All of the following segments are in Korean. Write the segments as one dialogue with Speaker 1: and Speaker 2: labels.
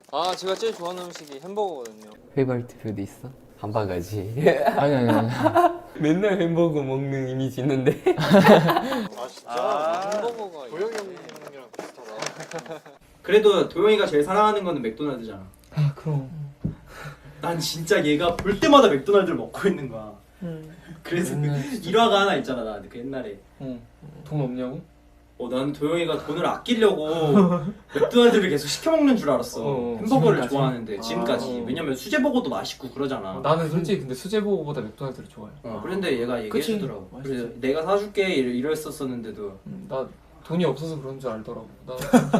Speaker 1: 아 제가 제일 좋아하는 음식이 햄버거거든요.
Speaker 2: 페이버리트 푸드 있어? 한 바가지.
Speaker 3: 아니.
Speaker 2: 맨날 햄버거 먹는 이미지 있는데.
Speaker 1: 아 진짜? 햄버거가
Speaker 4: 도영이 형이랑 비슷하다.
Speaker 5: 그래도 도영이가 제일 사랑하는 거는 맥도날드잖아.
Speaker 3: 아 그럼.
Speaker 5: 난 진짜 얘가 볼 때마다 맥도날드를 먹고 있는 거야. 그래서 그 일화가 하나 있잖아. 나 그 옛날에.
Speaker 3: 돈 없냐고?
Speaker 5: 나는 도영이가 돈을 아끼려고 맥도날드를 계속 시켜 먹는 줄 알았어. 햄버거를
Speaker 3: 지금까지?
Speaker 5: 좋아하는데 지금까지. 왜냐면 수제버거도 맛있고 그러잖아.
Speaker 3: 나는 솔직히 근데 수제버거보다 맥도날드를 좋아해.
Speaker 5: 그런데 얘가
Speaker 3: 그치?
Speaker 5: 얘기해주더라고.
Speaker 3: 맛있지.
Speaker 5: 그래서 내가 사줄게 이랬었었는데도
Speaker 3: 나 돈이 없어서 그런 줄 알더라고. 나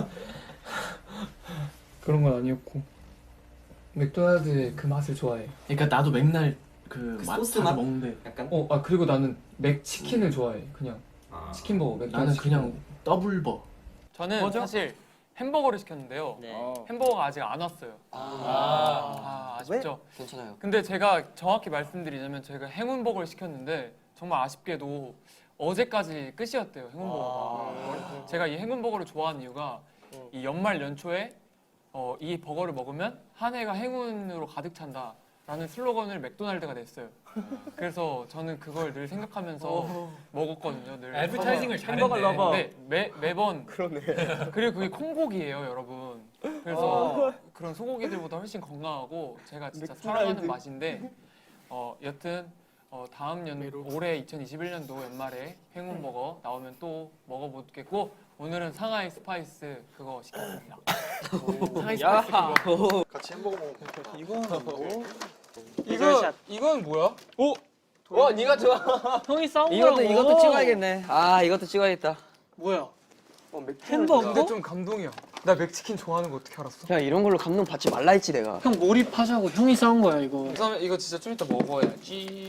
Speaker 3: 그런 건 아니었고 맥도날드의 그 맛을 좋아해.
Speaker 6: 그러니까 나도 맨날 그
Speaker 5: 그
Speaker 6: 맛
Speaker 5: 소스
Speaker 6: 사서
Speaker 5: 맛?
Speaker 6: 먹는데
Speaker 5: 약간
Speaker 3: 그리고 나는 맥치킨을 좋아해. 그냥 치킨버거. 맥도날드
Speaker 6: 나는 그냥
Speaker 3: 치킨버거.
Speaker 6: 더블버.
Speaker 7: 저는 사실 햄버거를 시켰는데요. 햄버거가 아직 안 왔어요. 아쉽죠.
Speaker 2: 괜찮아요.
Speaker 7: 근데 제가 정확히 말씀드리자면 저희가 행운버거를 시켰는데 정말 아쉽게도 어제까지 끝이었대요. 행운버거가. 제가 이 행운버거를 좋아하는 이유가 이 연말 연초에 이 버거를 먹으면 한 해가 행운으로 가득 찬다 라는 슬로건을 맥도날드가 냈어요. 그래서 저는 그걸 늘 생각하면서 먹었거든요. 늘
Speaker 6: 애드버타이징을
Speaker 7: 햄버거
Speaker 6: 잘했네.
Speaker 7: 러버. 네, 매번. 그러네. 그리고 그게 콩고기예요, 여러분. 그래서 그런 소고기들보다 훨씬 건강하고 제가 진짜 사랑하는 맛인데 여튼 다음 올해 2021년도 연말에 행운버거 나오면 또 먹어보겠고 오늘은 상하이 스파이스 그거 시켰습니다. 상하이 스파이스 그거.
Speaker 4: 같이 햄버거 먹으면
Speaker 1: 이거는 뭐?
Speaker 7: 이건 뭐야?
Speaker 2: 네가 좋아.
Speaker 1: 형이 싸운 거라고.
Speaker 2: 이것도 찍어야겠네. 이것도 찍어야겠다.
Speaker 1: 뭐야?
Speaker 7: 햄버거? 근데 좀 감동이야. 나 맥치킨 좋아하는 거 어떻게 알았어?
Speaker 2: 야, 이런 걸로 감동 받지 말라 했지 내가.
Speaker 1: 형 몰입하자고 형이 싸운 거야 이거.
Speaker 7: 그다음에 이거 진짜 좀 이따 먹어야지.